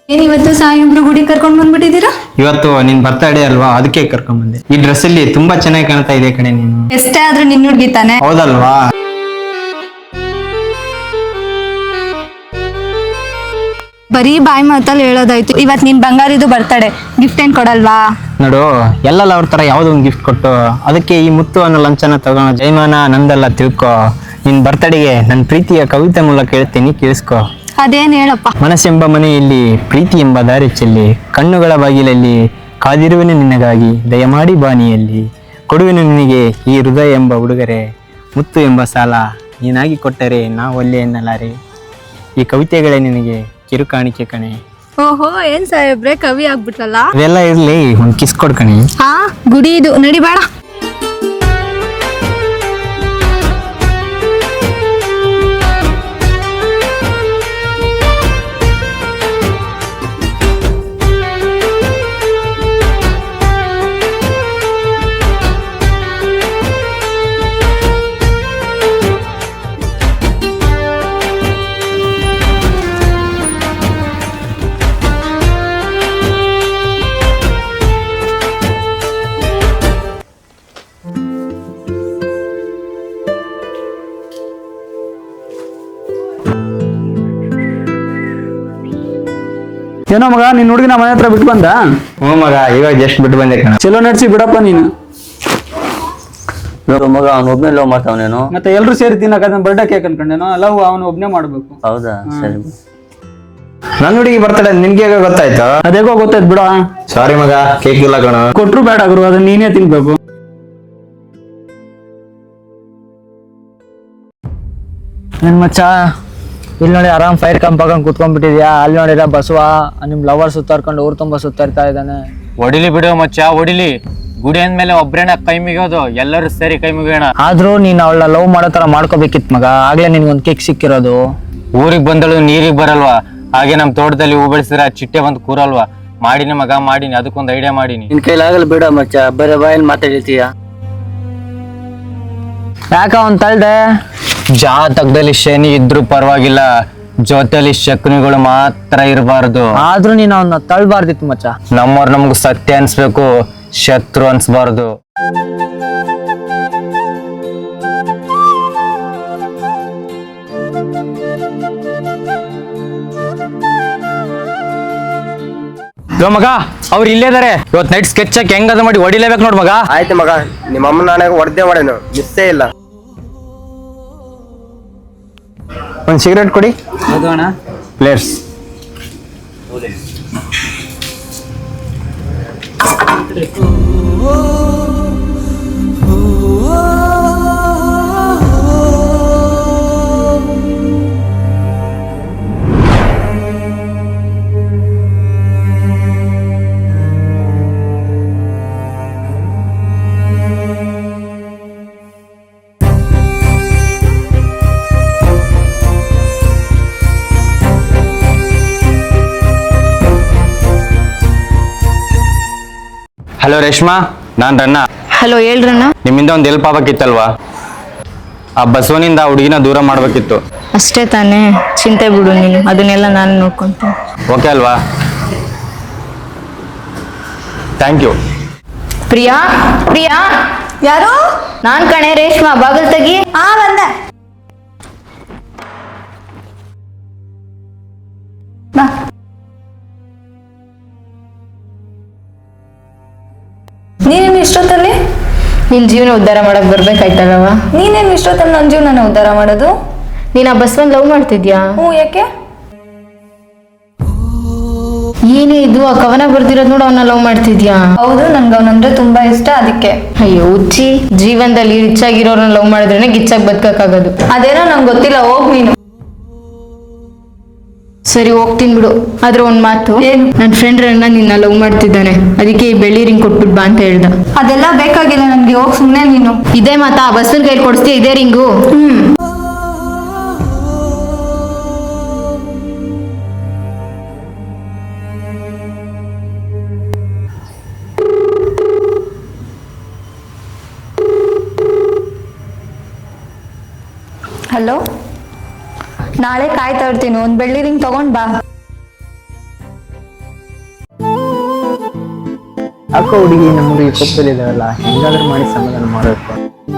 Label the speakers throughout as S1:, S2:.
S1: ಏನ್ ಇವತ್ತು ಸಾಯಿಬ್ರು ಗುಡಿ ಕರ್ಕೊಂಡ್ ಬಂದ್ಬಿಟ್ಟಿದ್ದೀರಾ?
S2: ಇವತ್ತು ನಿನ್ ಬರ್ತಡೇ ಅಲ್ವಾ, ಅದಕ್ಕೆ ಕರ್ಕೊಂಡ್ ಬಂದೆ. ಈ ಡ್ರೆಸ್ ಅಲ್ಲಿ ತುಂಬಾ ಚೆನ್ನಾಗಿ ಕಾಣ್ತಾ ಇದೆ ಕಣೆ ನೀನು.
S1: ಎಷ್ಟೇ ಆದ್ರೂ ನಿನ್ ಹುಡ್ಗಿ ತಾನೆ.
S2: ಹೌದಲ್ವಾ?
S1: ಬರೀ ಬಾಯಿ ಮಾತಲ್ಲಿ ಹೇಳೋದಾಯ್ತು. ಇವತ್ ನಿನ್ ಬಂಗಾರಿದು ಬರ್ತಡೇ, ಗಿಫ್ಟ್ ಏನ್ ಕೊಡಲ್ವಾ?
S2: ನೋಡು, ಎಲ್ಲಲ್ಲ ಅವ್ರ ತರ ಯಾವ್ದೋ ಒಂದು ಗಿಫ್ಟ್ ಕೊಟ್ಟು ಅದಕ್ಕೆ ಈ ಮುತ್ತು ಅನ್ನೋ ಲಂಚನ ತಗೊಂಡು ಜೈಮಾನ ನಂದಲ್ಲ ತಿಳ್ಕೊ. ನಿನ್ ಬರ್ತಡೆಗೆ ನನ್ನ ಪ್ರೀತಿಯ ಕವಿತೆ ಮೂಲಕ ಹೇಳ್ತೀನಿ, ಕೇಳಿಸ್ಕೊ.
S1: ಅದೇನ್ ಹೇಳಪ್ಪ.
S2: ಮನಸ್ಸೆಂಬ ಮನೆಯಲ್ಲಿ ಪ್ರೀತಿ ಎಂಬ ದಾರಿ ಚೆಲ್ಲಿ, ಕಣ್ಣುಗಳ ಬಾಗಿಲಲ್ಲಿ ಕಾದಿರುವೆನು ನಿನಗಾಗಿ, ದಯಮಾಡಿ ಬಾನಿಯಲ್ಲಿ ಕೊಡುವೆನು ನಿನಗೆ ಈ ಹೃದಯ ಎಂಬ ಉಡುಗೊರೆ, ಮುತ್ತು ಎಂಬ ಸಾಲ ನೀನಾಗಿ ಕೊಟ್ಟರೆ ನಾವು ಒಲ್ಲೆ ಎನ್ನಲಾರೆ. ಈ ಕವಿತೆಗಳೇ ನಿನಗೆ ಕಿರುಕಾಣಿಕೆ ಕಣೆ.
S1: ಓಹೋ, ಏನ್ ಸಾಹೇಬ್ರೆ ಕವಿ ಆಗ್ಬಿಟ್ರಲ್ಲ.
S2: ಇವೆಲ್ಲ ಇರ್ಲಿ, ಒಂದ್ ಕಿಸ್ ಕೊಡ್ಕಣಿ.
S1: ಹಾ, ಗುಡಿ ಇದು ನಡಿ ಬೇಡ.
S3: ಏನೋ ಮಗ, ನಿನ್ ಹುಡುಗಿನ ಮನೆ ಹತ್ರ ಬಿಟ್ಟು ಬಂದ?
S2: ಹ್ಞೂ ಮಗ, ಇವಾಗ ಜಸ್ಟ್ ಬಿಟ್ಟು ಬಂದೆ ಕಣ.
S3: ಚಲೋ ನಡ್ಸಿ ಬಿಡಪ್ಪ ನೀನು.
S4: ಮಗ ಅವ್ನ ಒಬ್ನೇ ಲವ್ ಮಾಡ್ತಾವನೇನು?
S3: ಮತ್ತೆ ಎಲ್ರು ಸೇರಿ ತಿನ್ನಕ ಬರ್ಡೇ ಕೇಕ್ ಅನ್ಕೊಂಡೇನೋ. ಲವ್ ಅವನು ಒಬ್ನೇ ಮಾಡ್ಬೇಕು.
S4: ಹೌದಾ? ಸರಿ.
S2: ನನ್ನ ಹುಡುಗಿ ಬರ್ತಡೆ ನಿನ್ಗೆ ಹೇಗೆ ಗೊತ್ತಾಯ್ತು?
S3: ಅದೇಗೋ ಗೊತ್ತಾಯ್ತು ಬಿಡ.
S2: ಸಾರಿ ಮಗ, ಕೇಕ್ ಇಲ್ಲ ಕಣ.
S3: ಕೊಟ್ರು ಬೇಡ ಗುರು, ಅದನ್ನ ನೀನೇ ತಿನ್ಬೇಕು.
S5: ನನ್ ಮಚ್ಚ, ಇಲ್ಲಿ ನೋಡಿ ಆರಾಮ್ ಫೈರ್ ಕಂಪ್ ಹಾಕೊಂಡ್ ಕುತ್ಕೊಂಡ್ಬಿಟ್ಟಿದ್ಯಾ. ಅಲ್ಲಿ ನೋಡಿರ ಬಸವ ನಿಮ್ ಲವರ್ ಸುತ್ತಾರ್ಕೊಂಡು ಊರ್ ತುಂಬಾ ಸುತ್ತಾಡ್ತಾ ಇದ್ದಾನೆ.
S6: ಹೊಡಿಲಿ ಬಿಡು ಮಚ್ಚ, ಹೊಡಿಲಿ. ಗುಡಿ ಅಂದ್ಮೇಲೆ ಒಬ್ರೇನ ಕೈ ಮುಗಿಯೋದು, ಎಲ್ಲರೂ ಸೇರಿ ಕೈ ಮುಗಿಯೋಣ.
S5: ಆದ್ರೂ ನೀನ್ ಅವಳ ಲವ್ ಮಾಡೋ ತರ ಮಾಡ್ಕೋಬೇಕಿತ್ ಮಗ, ಆಗ್ಲೇ ನಿನ್ಗೊಂದ್ ಕೇಕ್ ಸಿಕ್ಕಿರೋದು.
S6: ಊರಿಗೆ ಬಂದಳು ನೀರಿಗೆ ಬರಲ್ವಾ? ಹಾಗೆ ನಮ್ ತೋಟದಲ್ಲಿ ಹೂ ಬೆಳೆಸಿದ್ರೆ ಚಿಟ್ಟೆ ಬಂದು ಕೂರಲ್ವಾ? ಮಾಡಿನಿ ಮಗ, ಮಾಡಿನಿ. ಅದಕ್ಕೊಂದು ಐಡಿಯಾ ಮಾಡಿನಿ.
S4: ನಿನ್ ಕೈಲಾಗಲ್ಲ ಬಿಡ ಮಚ್ಚ, ಬರೀ ಬಾಯಲ್ಲಿ ಮಾತಾಡಿರ್ತೀಯ.
S5: ಯಾಕ ಅವ್ನ್ ತಳ್ದೆ?
S6: ಜಾತಕದಲ್ಲಿ ಶನಿ ಇದ್ರು ಪರವಾಗಿಲ್ಲ, ಜೊತೆಲಿ ಶಕುನಿಗಳು ಮಾತ್ರ ಇರಬಾರ್ದು.
S5: ಆದ್ರೂ ನೀನ್ ಅವನ್ನ ತಳ್ಬಾರ್ದಿತ್ತು ಮಚ್ಚ.
S6: ನಮ್ಮವ್ರು ನಮ್ಗೆ ಸತ್ಯ ಅನ್ಸ್ಬೇಕು, ಶತ್ರು ಅನ್ಸ್ಬಾರ್ದು. ಮಗ, ಅವ್ರು ಇಲ್ಲೇ ಇದಾರೆ. ಇವತ್ತು ನೈಟ್ ಸ್ಕೆಚ್ ಹಾಕಿ ಹೆಂಗದ ಮಾಡಿ ಹೊಡಿಲೇಬೇಕು ನೋಡ್ ಮಗ.
S7: ಆಯ್ತು ಮಗ, ನಿಮ್ಮ ಅಮ್ಮ ನಾನಾಗ ಹೊಡೆದೇ ಮಾಡೇನು, ಮಿಸ್ಸೇ ಇಲ್ಲ.
S2: ಒಂದ್ ಸಿಗರೇಟ್ ಕೊಡಿ ಪ್ಲೇಯರ್ಸ್.
S6: ಹಲೋ ರೇಷ್ಮಾ, ನಾನ್ ರನ್ನ.
S1: ಹಲೋ, ಹೇಳ್ರಣ್ಣ.
S6: ನಿಮ್ಮಿಂದ ಒಂದು ಹೆಲ್ಪ್ ಆಗ್ಬೇಕಿತ್ತಲ್ವಾ? ಆ ಬಸವನಿಂದ ಹುಡುಗಿನ ದೂರ ಮಾಡ್ಬೇಕಿತ್ತು.
S1: ಅಷ್ಟೇ ತಾನೇ, ಚಿಂತೆ ಬಿಡು ನೀನು, ಅದನ್ನೆಲ್ಲ ನಾನು ನೋಡ್ಕೊಂತೀನಿ.
S6: ಓಕೆ ಅಲ್ವಾ? Thank you.
S8: ಪ್ರಿಯಾ, ಪ್ರಿಯಾ.
S1: ಯಾರು?
S8: ನಾನ್ ಕಣೆ, ರೇಷ್ಮಾ. ಬಾಗಲ್ ತೆಗಿ.
S1: ಬಂದೆ. ನೀನೇನು ಇಷ್ಟೊತ್ತಲ್ಲಿ?
S8: ನಿನ್ ಜೀವನ ಉದ್ಧಾರ ಮಾಡಕ್ ಬರ್ಬೇಕಾಯ್ತಲ್ಲವ?
S1: ನೀನೇನು ಇಷ್ಟೊತ್ತಲ್ಲಿ ನನ್ನ ಜೀವನ ಉದ್ಧಾರ ಮಾಡೋದು?
S8: ನೀನ್ ಆ ಬಸವನ್ ಲವ್ ಮಾಡ್ತಿದ್ಯಾ?
S1: ಯಾಕೆ?
S8: ಏನೇ ಇದು, ಆ ಕವನ ಬರ್ದಿರೋದ್ ನೋಡು, ಅವನ್ನ ಲವ್ ಮಾಡ್ತಿದ್ಯಾ?
S1: ಹೌದು, ನನ್ಗೆ ಅವನಂದ್ರೆ ತುಂಬಾ ಇಷ್ಟ, ಅದಕ್ಕೆ.
S8: ಅಯ್ಯೋ ಹುಚ್ಚಿ, ಜೀವನದಲ್ಲಿ ರಿಚ್ ಆಗಿರೋರನ್ನ ಲವ್ ಮಾಡಿದ್ರೇನೆ ಗಿಚ್ಚಾಗಿ ಬದುಕಕ್ಕಾಗೋದು.
S1: ಅದೇನೋ ನಂಗೆ ಗೊತ್ತಿಲ್ಲ, ಹೋಗ್ ನೀನು.
S8: ಸರಿ, ಹೋಗ್ತೀನಿ ಬಿಡು. ಆದ್ರೆ ಒಂದ್ ಮಾತು, ನನ್ ಫ್ರೆಂಡ್ ರನ್ನ ನಿನ್ನ ಲವ್ ಮಾಡ್ತಿದ್ದಾನೆ, ಅದಕ್ಕೆ ಈ ಬೆಳ್ಳಿ ರಿಂಗ್ ಕೊಟ್ಬಿಟ್ ಬಾ ಅಂತ ಹೇಳ್ದ.
S1: ಅದೆಲ್ಲ ಬೇಕಾಗಿಲ್ಲ ನನ್ಗೆ, ಹೋಗ್ ಸುಮ್ನೆ ನೀನು.
S8: ಇದೇ ಮಾತಾ? ಬಸ್ಸನ್ ಕೈಲಿ ಕೊಡಿಸ್ತೀಯ ಇದೇ ರಿಂಗು?
S1: ಹಲೋ, ನಾಳೆ ಕಾಯ್ತಾ ಇರ್ತೀನಿ, ಒಂದು ಬೆಳ್ಳಿ ರಿಂಗ್ ತಗೊಂಡ್ ಬಾ.
S2: ಯಾಕೋ ಹುಡುಗಿ ನಮ್ಮ ಹುಡುಗಿ ಕೋಪದಲ್ಲಿದ್ದಾವಲ್ಲ, ಹೆಂಗಾದ್ರೂ ಮಾಡಿ ಸಮಾಧಾನ ಮಾಡಬೇಕು.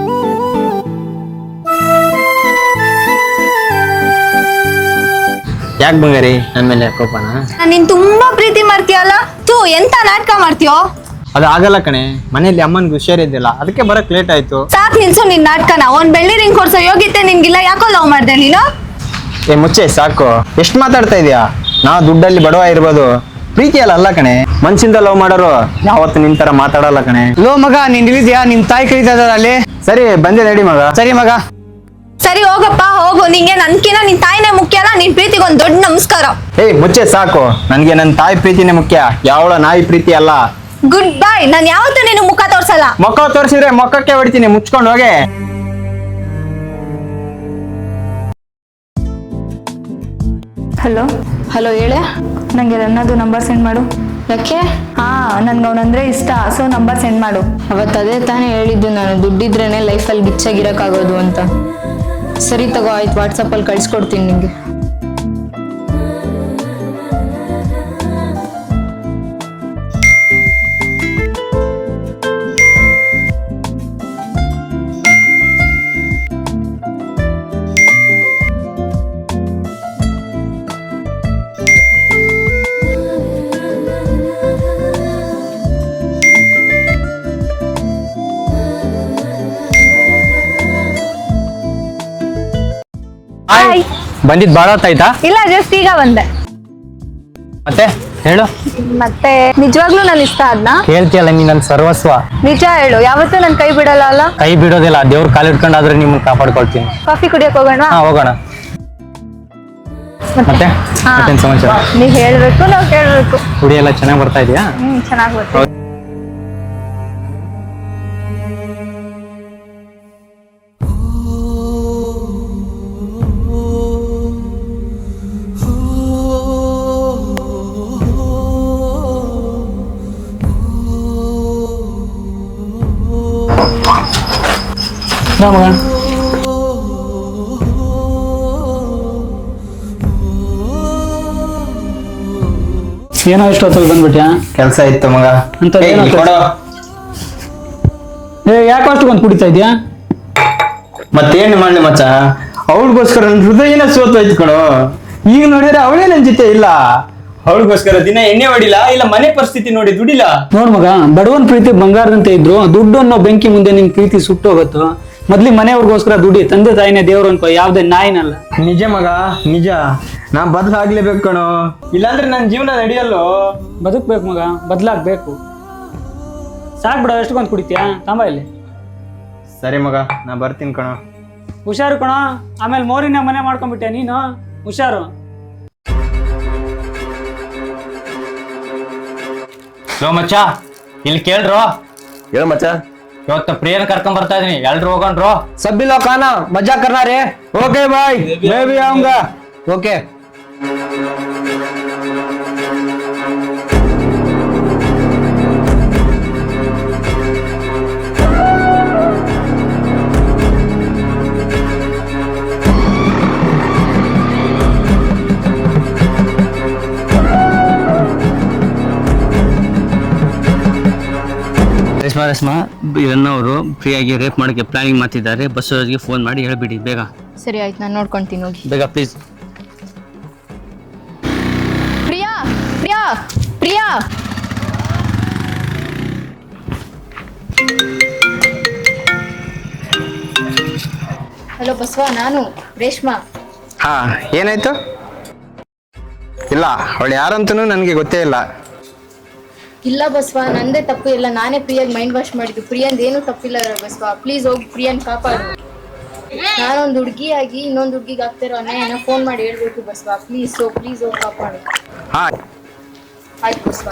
S2: ಯಾಕೆ ಬಂಗಾರಿ ನನ್ನ ಮೇಲೆ ಕೋಪನ?
S1: ನೀನ್ ತುಂಬಾ ಪ್ರೀತಿ ಮಾಡ್ತೀಯಲ್ಲ, ತೂ ಎಂತ ನಾಟಕ ಮಾಡ್ತೀಯೋ?
S2: ಅದು ಆಗಲ್ಲ ಕಣೆ, ಮನೆಯಲ್ಲಿ ಅಮ್ಮನ್ಗೆ ಹುಷಾರಿದ್ದಿಲ್ಲ, ಅದಕ್ಕೆ ಬರಕ್ ಲೇಟ್ ಆಯ್ತು.
S1: ಸಾಕ್ ನಿಲ್ಸು ನಿನ್ ನಾಟಕನ. ಒಂದ್ ಬೆಳ್ಳಿ ರಿಂಗ್ ಕೊಡ್ಸೋ ಯೋಗ್ಯತೆ ನಿನ್ಗಿಲ್ಲ, ಯಾಕೋ ಲವ್ ಮಾಡ್ದೆ ನೀನು?
S2: ಏ ಮುಚ್ಚೆ ಸಾಕು, ಎಷ್ಟು ಮಾತಾಡ್ತಾ ಇದೀಯಾ? ನಾ ದುಡ್ಡಲ್ಲಿ ಬಡವ ಇರ್ಬೋದು, ಪ್ರೀತಿ ಅಲ್ಲ ಕಣೆ. ಮನ್ಸಿಂದ ಲವ್ ಮಾಡೋರು ಯಾವತ್ತು ನಿನ್ ತರ ಮಾತಾಡಲ್ಲ ಕಣೆ.
S5: ಲೋ ಮಗ, ನೀನ್ ಇಳಿದ್ಯಾ? ನಿಮ್ ತಾಯಿ ಕರೀತಾ ಇದಾರೆ ಅಲ್ಲಿ.
S2: ಸರಿ ಬಂದೆ ನಡಿ ಮಗ.
S5: ಸರಿ ಮಗ.
S1: ಸರಿ ಹೋಗಪ್ಪ ಹೋಗು. ನಿಂಗೆ ನನ್ಕಿನ ನಿನ್ ತಾಯಿನೇ ಮುಖ್ಯ ಅಲ್ಲ? ನಿನ್ ಪ್ರೀತಿಗೆ ಒಂದ್ ದೊಡ್ಡ ನಮಸ್ಕಾರ.
S2: ಏಯ್ ಮುಚ್ಚೆ ಸಾಕು, ನನ್ಗೆ ನನ್ನ ತಾಯಿ ಪ್ರೀತಿನೇ ಮುಖ್ಯ, ಯಾವಳ ನಾಯಿ ಪ್ರೀತಿ ಅಲ್ಲ.
S1: Good bye. ನಾನ್ ಯಾವತ್ತೂ ನಿನ್ ಮುಖ ತೋರ್ಸಲ್ಲ.
S2: ಮೊಕ್ಕ ತೋರಿಸಿದ್ರೆ ಮೊಕ್ಕಕ್ಕೆ ಹೊಡಿತೀನಿ, ಮುಚ್ಕೊಂಡು ಹೋಗೆ.
S1: ಹಲೋ
S8: ಹಲೋ ಹೇಳೆ.
S1: ನಂಗೆ ನನ್ನದು ನಂಬರ್ ಸೆಂಡ್ ಮಾಡು.
S8: ಯಾಕೆ?
S1: ಹಾ, ನನ್ಗೆ ಅವನಂದ್ರೆ ಇಷ್ಟ, ಸೊ ನಂಬರ್ ಸೆಂಡ್ ಮಾಡು.
S8: ಅವತ್ತು ಅದೇ ತಾನೇ ಹೇಳಿದ್ದು ನಾನು, ದುಡ್ಡಿದ್ರೇನೆ ಲೈಫಲ್ಲಿ ಗಿಚ್ಚಾಗಿರೋಕ್ಕಾಗೋದು ಅಂತ. ಸರಿ ತಗೋ, ಆಯ್ತು, ವಾಟ್ಸಪ್ಪಲ್ಲಿ ಕಳ್ಸ್ಕೊಡ್ತೀನಿ ನಿಂಗೆ.
S1: ಹಾಯ್.
S2: ಬಂದಿದ್ ಬಾಳ ಹೊತ್ತಾಯ್ತಾ?
S1: ಇಲ್ಲ, ಜಸ್ಟ್ ಈಗ ಬಂದೆ.
S2: ಮತ್ತೆ ಹೇಳು.
S1: ಮತ್ತೆ ನಿಜವಾಗ್ಲೂ ನಾನು ಇಷ್ಟ ಆದ್ನಾ?
S2: ಕೇಳ್ತಿಯಲ್ಲ ನೀ ನನ್ನ ಸರ್ವಸ್ವ.
S1: ನಿಜ ಹೇಳು, ಯಾವತ್ತೂ ನನ್ ಕೈ ಬಿಡಲ್ಲ ಅಲ್ಲ?
S2: ಕೈ ಬಿಡೋದಿಲ್ಲ, ದೇವ್ರ ಕಾಲು ಇಟ್ಕೊಂಡಾದ್ರೆ ನಿಮ್ಮನ್ನ ಕಾಪಾಡ್ಕೊಳ್ತೀನಿ.
S1: ಕಾಫಿ ಕುಡಿಯಕ್ ಹೋಗೋಣ?
S2: ಹಾ ಹೋಗೋಣ. ಮತ್ತೆ
S1: ಹಾ.
S2: ಮತ್ತೇನ್ ಸಮಾಚಾರ?
S1: ನೀವ್ ಹೇಳ್ಬೇಕು, ನಾವ್ ಕೇಳ್ಬೇಕು.
S2: ಹುಡಿ ಎಲ್ಲ ಚೆನ್ನಾಗಿ ಬರ್ತಾ ಇದೆಯಾ?
S1: ಚೆನ್ನಾಗ್ ಗೊತ್ತು.
S5: ಮಗ, ಏನೋ ಇಷ್ಟೊತ್ತಲ್ಲಿ ಬಂದ್ಬಿಟ್ಯಾ?
S2: ಕೆಲಸ ಇತ್ತು ಮಗ.
S5: ಅಂತ
S2: ಏಯ್,
S5: ಏನೋ
S2: ಇಲ್ಲಿ ಕೊಡು.
S5: ಯಾಕೆ ಅಷ್ಟೊಂದು ಕುಡಿತಾ ಇದೆಯಾ?
S2: ಮತ್ತೇನು ಮಾಡ್ಲಿ ಮಚ್ಚ, ಅವಳಿಗೋಸ್ಕರ ನನ್ನ ಹೃದಯನ ಸೋತೋಯ್ತು ಕಣೋ. ಈಗ ನೋಡಿದ್ರೆ ಅವಳೇ ನನ್ನ ಜೊತೆ ಇಲ್ಲ. ಅವಳಿಗೋಸ್ಕರ ದಿನ ಎಣ್ಣೆ ಹೊಡಿಲ್ಲ, ಇಲ್ಲ ಮನೆ ಪರಿಸ್ಥಿತಿ ನೋಡಿ ದುಡಿಲ್ಲ.
S5: ನೋಡ್ ಮಗ, ಬಡವನ್ ಪ್ರೀತಿ ಬಂಗಾರದಂತೆ ಇದ್ರು, ದುಡ್ಡು ಅನ್ನೋ ಬೆಂಕಿ ಮುಂದೆ ನಿನ್ ಪ್ರೀತಿ ಸುಟ್ಟೋಗತ್ತು. ಮೊದ್ಲಿ ಮನೆಯವ್ರಿಗೋಸ್ಕರ ದುಡಿ, ತಂದೆ ತಾಯಿನೇ ದೇವ್ರು ಅನ್ಕೋ, ಯಾವ್ದೇ ನಾಯಿನಲ್ಲ.
S2: ನಿಜ ಮಗ ನಿಜ, ನಾ ಬದಲಾಗ್ಲೇಬೇಕು ಕಣೋ, ಇಲ್ಲಾಂದ್ರೆ ನನ್ನ ಜೀವನ ನಡೆಯಲ್ಲೋ.
S5: ಬದುಕ್ಬೇಕು ಮಗ, ಬದ್ಲಾಗ್ಬೇಕು. ಸಾಕ್ ಬಿಡ, ಎಷ್ಟೊಂದು ಕುಡಿತೀಯಾ? ತಾಂಬ ಇಲ್ಲಿ.
S2: ಸರಿ ಮಗ, ನಾ ಬರ್ತೀನಿ ಕಣೋ.
S5: ಹುಷಾರು ಕಣೋ, ಆಮೇಲೆ ಮೋರಿನ ಮನೆ ಮಾಡ್ಕೊಂಡ್ಬಿಟ್ಟೆ ನೀನು, ಹುಷಾರು.
S6: ಲೋ ಮಚ್ಚ, ಇಲ್ಲಿ ಕೇಳ್ರೋ.
S7: ಹೇಳು ಮಚ್ಚ.
S6: ಇವತ್ತು ಪ್ರಿಯನ್ ಕರ್ಕೊಂಡ್ ಬರ್ತಾ ಇದೀನಿ, ಎಲ್ರು ಹೋಗೋಣ್ರು.
S5: ಸಬ್ಬಿ ಲೋಗ್ ಖಾನಾ ಮಜಾ ಕರ್ನಾ ರೇ.
S2: ಓಕೆ ಬಾಯ್, ಮೇ ಬಿ ಆऊंगा.
S5: ಓಕೆ.
S4: ರೇಷ್ಮಾ ಇದನ್ನವರು ಫ್ರೀಯಾಗಿ ರೇಪ್ ಮಾಡೋಕ್ಕೆ ಪ್ಲಾನಿಂಗ್ ಮಾಡ್ತಿದ್ದಾರೆ. ಬಸ್ಸವರಿಗೆ ಫೋನ್ ಮಾಡಿ ಹೇಳ್ಬಿಡಿ ಬೇಗ.
S8: ಸರಿ ಆಯ್ತು, ನಾನು ನೋಡ್ಕೊಂತೀನಿ, ಹೋಗಿ.
S4: ಬೇಗ ಪ್ಲೀಸ್.
S8: ಪ್ರಿಯಾ, ಪ್ರಿಯಾ, ಪ್ರಿಯಾ. ಹಲೋ ಬಸವ, ನಾನು ರೇಷ್ಮಾ.
S2: ಹಾ, ಏನಾಯ್ತು? ಇಲ್ಲ, ಅವಳು ಯಾರಂತನೂ ನನಗೆ ಗೊತ್ತೇ ಇಲ್ಲ.
S8: ಇಲ್ಲ ಬಸವ, ನಂದೇ ತಪ್ಪು ಇಲ್ಲ, ನಾನೇ ಪ್ರಿಯಾಗ್ ಮೈಂಡ್ ವಾಶ್ ಮಾಡಿದ್ದು. ಪ್ರಿಯಂದ್ ಏನು ತಪ್ಪಿಲ್ಲ ಬಸವ, ಪ್ಲೀಸ್ ಹೋಗಿ ಪ್ರಿಯನ್ ಕಾಪಾಡು. ನಾನೊಂದು ಹುಡುಗಿಯಾಗಿ ಇನ್ನೊಂದು ಹುಡುಗಿಗೆ ಆಗ್ತಿರೋ ಅನ್ಯಾಯನ ಫೋನ್ ಮಾಡಿ ಹೇಳ್ಬೇಕು ಬಸವ, ಪ್ಲೀಸ್ ಹೋಗಿ ಕಾಪಾಡು.
S2: ಹಾ
S8: ಆಯ್ತು ಬಸವ.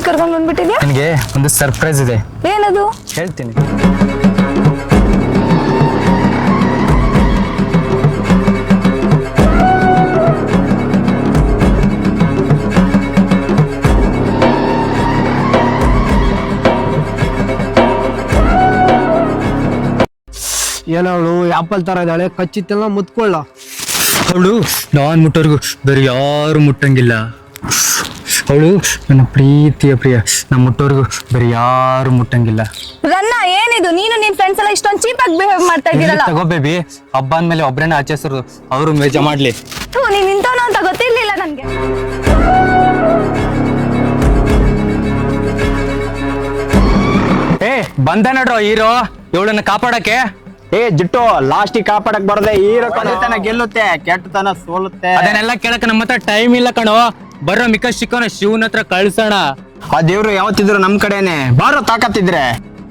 S1: ಕರ್ಕೊಂಡ್ ಬಂದ್ಬಿಟ್ಟಿದ್ಯಾ?
S2: ನಿನಗೆ ಒಂದು ಸರ್ಪ್ರೈಸ್ ಇದೆ,
S1: ಏನದು?
S2: ಹೇಳ್ತೀನಿ.
S5: ಏನವಳು ಆಪಲ್ ತರ ಇದ್ದಾಳೆ, ಕಚ್ಚಿತ್ತೆಲ್ಲ ಮುತ್ಕೊಳ್ಳ.
S2: ಅವಳು ನಾನು ಮುಟ್ಟೋರ್ಗು ಬೇರೆ ಯಾರು ಮುಟ್ಟಂಗಿಲ್ಲ. ಅವಳು ನನ್ನ ಪ್ರೀತಿಯ ಪ್ರಿಯ, ನಾನು ಮುಟ್ಟೋರ್ಗು ಬೇರೆ ಯಾರು ಮುಟ್ಟಂಗಿಲ್ಲ.
S1: ರನ್ನ, ಏನಿದು? ನೀನು ನಿನ್ ಫ್ರೆಂಡ್ಸ್ ಎಲ್ಲ ಇಷ್ಟೊಂದು ಚೀಪ್ ಆಗಿ ಬಿಹೇವ್ ಮಾಡ್ತಾ ಇದ್ದೀರಲ್ಲ.
S2: ತಗೋ ಬೇಬಿ, ಹಬ್ಬ ಅಂದ್ಮೇಲೆ ಒಬ್ರೇನ ಆಚರಿಸೋರು, ಅವರು ಮೇಜ ಮಾಡ್ಲಿ.
S1: ನೀನ್ ನಿಂತವನು ಅಂತ ಗೊತ್ತಿರ್ಲಿಲ್ಲ ನನ್ಗೆ.
S2: ಬಂದ ನಡ್ರೋ ಹೀರೋ ಇವಳನ್ನ ಕಾಪಾಡಕ್ಕೆ.
S7: ಜಿಟ್ಟು ಲಾಸ್ಟಿಗೆ ಕಾಪಾಡಕ್ ಬರದೆ ಹೀರೋ ಗೆಲ್ಲುತ್ತೆ, ಕೆಟ್ಟತನ ಸೋಲುತ್ತೆ.
S2: ಅದನ್ನೆಲ್ಲ ಕೇಳಕ್ಕೆ ನಮ್ಮ ಹತ್ರ ಟೈಮ್ ಇಲ್ಲ ಕಣೋ. ಬರೋ ಮಿಕ್ಕ ಶಿಕೋನ ಶಿವನ ಹತ್ರ ಕಳ್ಸೋಣ.
S7: ಆ ದೇವ್ರು ಯಾವತ್ತಿದ್ರು ನಮ್ ಕಡೆನೆ, ಬಾರೋ ತಾಕತ್ತಿದ್ರೆ.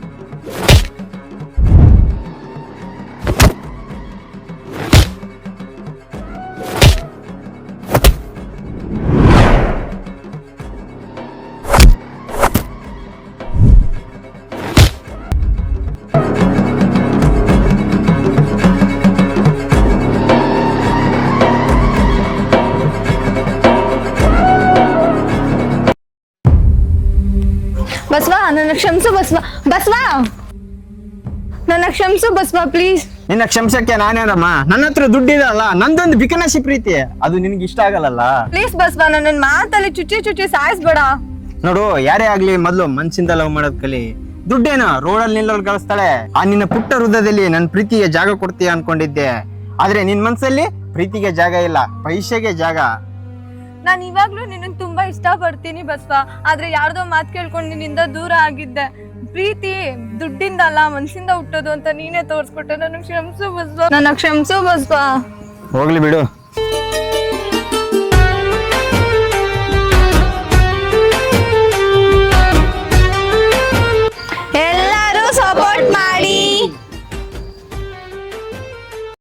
S1: ಬಸ್ವಾ, ನನ್ನ ಕ್ಷಮಿಸು ಬಸ್ವಾ. ಬಸ್ವಾ, ನನ್ನ ಕ್ಷಮಿಸು ಬಸ್ವಾ, ಪ್ಲೀಸ್.
S7: ನಿನ್ನ ಕ್ಷಮಿಸಕ್ಕೆ ನಾನೇನಮ್ಮ, ನನ್ನ ಹತ್ರ ದುಡ್ಡಿದಲ್ಲ, ನಂದೊಂದು ಬಿಕನಶಿ ಪ್ರೀತಿ, ಅದು ನಿನ್ಗೆ ಇಷ್ಟ ಆಗಲ್ಲ.
S1: ಪ್ಲೀಸ್ ಬಸ್ವಾ, ನನ್ನ ಮಾತಲ್ಲಿ ಚುಚ್ಚಿ ಸಾಯಿಸ್ಬೇಡ.
S7: ನೋಡು, ಯಾರೇ ಆಗ್ಲಿ ಮೊದ್ಲು ಮನ್ಸಿಂದ ಲವ್ ಮಾಡೋದ್ ಕಲಿ. ದುಡ್ಡೇನು ರೋಡಲ್ಲಿ ನಿಲ್ಲೋರು ಕಳಿಸ್ತಾಳೆ. ಆ ನಿನ್ನ ಪುಟ್ಟ ಹೃದಯದಲ್ಲಿ ನನ್ ಪ್ರೀತಿಗೆ ಜಾಗ ಕೊಡ್ತೀಯ ಅನ್ಕೊಂಡಿದ್ದೆ, ಆದ್ರೆ ನಿನ್ ಮನ್ಸಲ್ಲಿ ಪ್ರೀತಿಗೆ ಜಾಗ ಇಲ್ಲ, ಪೈಸೆಗೆ ಜಾಗ.
S1: ನಾನು ಇವಾಗ್ಲೂ ನಿನ್ನ ತುಂಬಾ ಇಷ್ಟ ಪಡ್ತೀನಿ ಬಸ್ವಾ, ಆದ್ರೆ ಯಾರ್ದೋ ಮಾತು ಕೇಳ್ಕೊಂಡು ನಿನ್ನಿಂದ ದೂರ ಆಗಿದ್ದೆ. ಪ್ರೀತಿ ದುಡ್ಡಿಂದ ಅಲ್ಲ, ಮನ್ಸಿಂದ ಹುಟ್ಟೋದು ಅಂತ ನೀನೇ ತೋರ್ಸ್ಕೊಟ್ಟೆ. ನನ್ನ ಕ್ಷಮಿಸು ಬಸ್ವಾ, ನನ್ನ ಕ್ಷಮಿಸು ಬಸ್ವಾ.
S7: ಹೋಗ್ಲಿ ಬಿಡು.